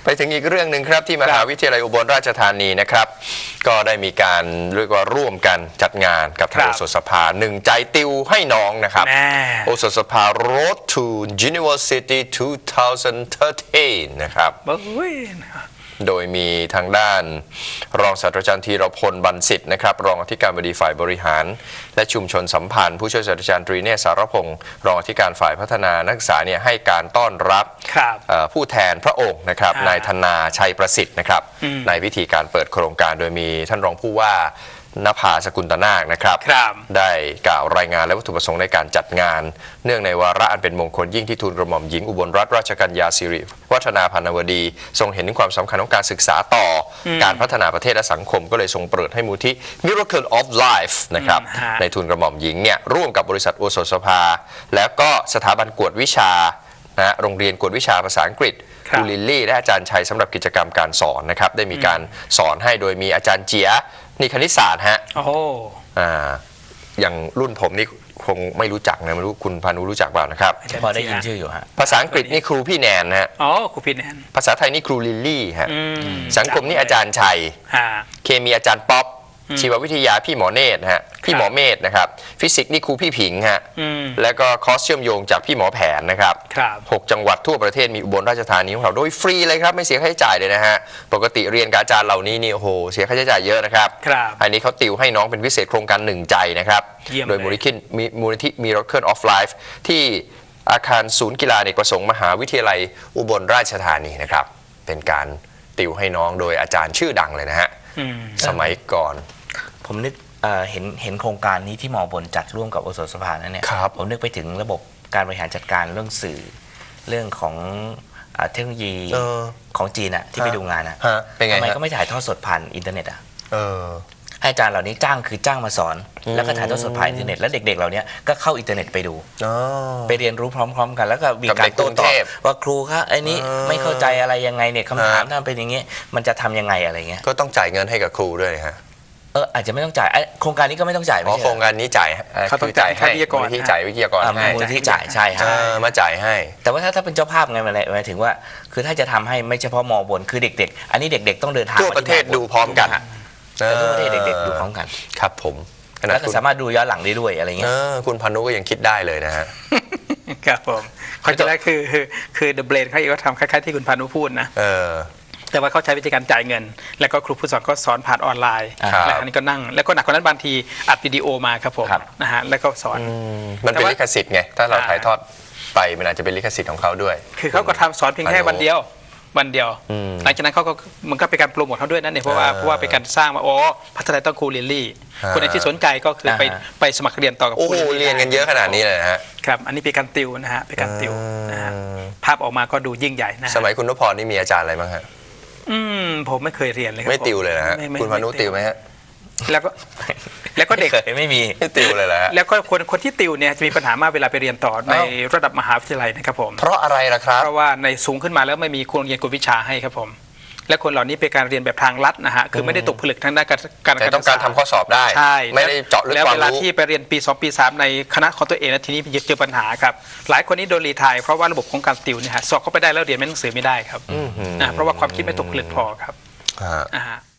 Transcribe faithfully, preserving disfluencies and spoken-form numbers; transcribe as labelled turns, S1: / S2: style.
S1: ไปถึงอีกเรื่องหนึ่งครับที่มหาวิทยาลัยอุบลราชธานีนะครับก็ได้มีการเรียกว่าร่วมกันจัดงานกับทางโอสถสภาหนึ่งใจติวให้น้องนะครับโอสถสภา Road to University สองพันสิบสามนะครับโดยมีทางด้านรองศาสตราจารย์ธีรพลบรรสิทธิ์นะครับรองอธิการบดีฝ่ายบริหารและชุมชนสัมพันธ์ผู้ช่วยศาสตราจารย์ตรีเนศสารพงศ์รองอธิการฝ่ายพัฒนานักศึกษาเนี่ยให้การต้อนรับผู้แทนพระองค์นะครับนายธนาชัยประสิทธิ์นะครับในพิธีการเปิดโครงการโดยมีท่านรองผู้ว่านภาสกุลตนาคนะครับได้กล่าวรายงานและวัตถุประสงค์ในการจัดงานเนื่องในวาระอันเป็นมงคลยิ่งที่ทูลกระหม่อมหญิงอุบลรัตนราชกัญญาสิริวัฒนาพานวดีทรงเห็นถึงความสำคัญของการศึกษาต่อการพัฒนาประเทศและสังคมก็เลยทรงเปิดให้มูลที่ Miracle of Life นะครับในทูลกระหม่อมหญิงเนี่ยร่วมกับบริษัทโอสถสภาแล้วก็สถาบันกวดวิชานะโรงเรียนกวดวิชาภาษาอังกฤษครูลิลลี่และอาจารย์ชัยสำหรับกิจกรรมการสอนนะครับได้มีการสอนให้โดยมีอาจารย์เจียนี่คณิตศาสตร์ฮะโอ้อ่าอย่างรุ่นผมนี่คงไม่รู้จักนะไม่รู้คุณพานุรู้จักเปล่านะครับ
S2: พอได้ยินชื่ออยู่ฮะ
S1: ภาษาอังกฤษนี่ครูพี่แนนฮะ
S3: อ๋อครูพี่แนน
S1: ภาษาไทยนี่ครูลิลลี่ฮะสังคมนี่อาจารย์ชัยเคมีอาจารย์ป๊อปชีววิทยาพี่หมอเนตรฮะพี่หมอเมธนะครับฟิสิกส์นี่ครูพี่ผิงฮะแล้วก็คอร์สเชื่อมโยงจากพี่หมอแผนนะครับหกจังหวัดทั่วประเทศมีอุบลราชธานีของเราโดยฟรีเลยครับไม่เสียค่าใช้จ่ายเลยนะฮะปกติเรียนกับอาจารย์เหล่านี้นี่โอ้โหเสียค่าใช้จ่ายเยอะนะครับอันนี้เขาติวให้น้องเป็นพิเศษโครงการหนึ่งใจนะครับโดยมูลนิธิมูลนิธิ Miracle of Life ที่อาคารศูนย์กีฬาเอกประสงค์มหาวิทยาลัยอุบลราชธานีนะครับเป็นการติวให้น้องโดยอาจารย์ชื่อดังเลยนะฮะสมัยก่อน
S2: ผมนึกเห็นเห็นโครงการนี้ที่มอบนจัดร่วมกับโอสถสภานั่นเนี่ยผมนึกไปถึงระบบการบริหารจัดการเรื่องสื่อเรื่องของเทคโนโลยีของจีนอะที่ไปดูงานอะทำไมก็ไม่ถ่ายทอดสดผ่านอินเทอร์เน็ตอะให้อาจารย์เหล่านี้จ้างคือจ้างมาสอนแล้วก็ถ่ายทอดสดผ่านอินเทอร์เน็ตแล้วเด็กๆเหล่านี้ก็เข้าอินเทอร์เน็ตไปดูไปเรียนรู้พร้อมๆกันแล้วก็มีการโต้ตอบว่าครูคะไอ้นี้ไม่เข้าใจอะไรยังไงเนี่ยคำถามถ้าเป็นอย่างนี้มันจะทำยังไงอะไรเงี้ย
S1: ก็ต้องจ่ายเงินให้กับครูด้วยฮะ
S2: เอออาจจะไม่ต้องจ่ายโครงการนี้ก็ไม่ต้องจ่าย
S1: อ๋อโครงการนี้จ่าย
S3: เขาต้องจ่ายให้
S1: วิทยากรที่จ่ายวิทยากรให้
S2: มูลที่จ่ายใช่ฮะ
S1: มาจ่ายให้
S2: แต่ว่าถ้าถ้าเป็นเจ้าภาพไงมันหมายถึงว่าคือถ้าจะทำให้ไม่เฉพาะมอบนคือเด็กๆอันนี้เด็กๆต้องเดินทาง
S1: ทั่วประเทศดูพร้อมกัน
S2: ทั่วประเทศเด็กๆดูพร้อมกัน
S1: ครับผม
S2: แล้วก็สามารถดูย้อนหลังได้ด้วยอะไรเงี้ย
S1: คุณพานุก็ยังคิดได้เลยนะฮะ
S3: ครับผมเขาจะได้คือคือคือ The Brain เขาเองก็ทำคล้ายๆที่คุณพานุพูดนะแต่ว่าเขาใช้วิธีการจ่ายเงินแล้วก็ครูผู้สอนก็สอนผ่านออนไลน์แล้วอันนี้ก็นั่งแล้วก็หนักกว่านั้นบางทีอัดวิดีโอมาครับผมนะฮะแล้วก็สอน
S1: มันเป็นลิขสิทธิ์ไงถ้าเราถ่ายทอดไปมันอาจจะเป็นลิขสิทธิ์ของเขาด้วย
S3: คือเขาก็ทำสอนเพียงแค่วันเดียววันเดียวหลังจากนั้นเขาก็มันก็เป็นการโปรโมทเขาด้วยนั่นเองเพราะว่าเพราะว่าเป็นการสร้างมาโอ้พัฒนาต้องครูลิลลี่คนไหนที่สนใจก็คือไปไปสมัครเรียนต่อกับ
S1: ครูเรียนกันเยอะขนาดนี้เลยฮะ
S3: ครับอันนี้เป็นการติวนะฮะเป็นการติวนะฮะภาพออกมาก็ดูยิ่งใหญ่นะ
S1: สมัยคุณนพพรนี่มีอาจารย์อะไรบ้างฮะ
S3: อืมผมไม่เคยเรียนเลย
S1: ไม่ติวเลยนะฮะคุณพานุติวไหมฮะ
S3: แล้วก็แล้วก็เด็ก
S2: ไม่มี
S1: ไม่ติวเลยแหละ
S3: แล้วก็คนคนที่ติวเนี่ยจะมีปัญหามากเวลาไปเรียนต่อในระดับมหาวิทยาลัยนะครับผม
S1: เพราะอะไรล่ะครับ
S3: เพราะว่าในสูงขึ้นมาแล้วไม่มีครูเรียนกวดวิชาให้ครับผมและคนเหล่านี้เป็นการเรียนแบบทางลัดนะฮะคือไม่ได้ตกผลึกทางด้านการ
S1: แต่ต้องการทำข้อสอบได้
S3: ใช่
S1: ไม่ได้เจาะลึกความรู้
S3: แล้วเวลาที่ไปเรียนปีสองปีสามในคณะของตัวเองนะทีนี้เจอปัญหาครับหลายคนนี้โดนรีไทร์เพราะว่าระบบของการติวเนี่ยฮะสอบเข้าไปได้แล้วเรียนไม่หนังสือไม่ได้ครับเพราะว่าความคิดไม่ตกผลึกพอครับอ่า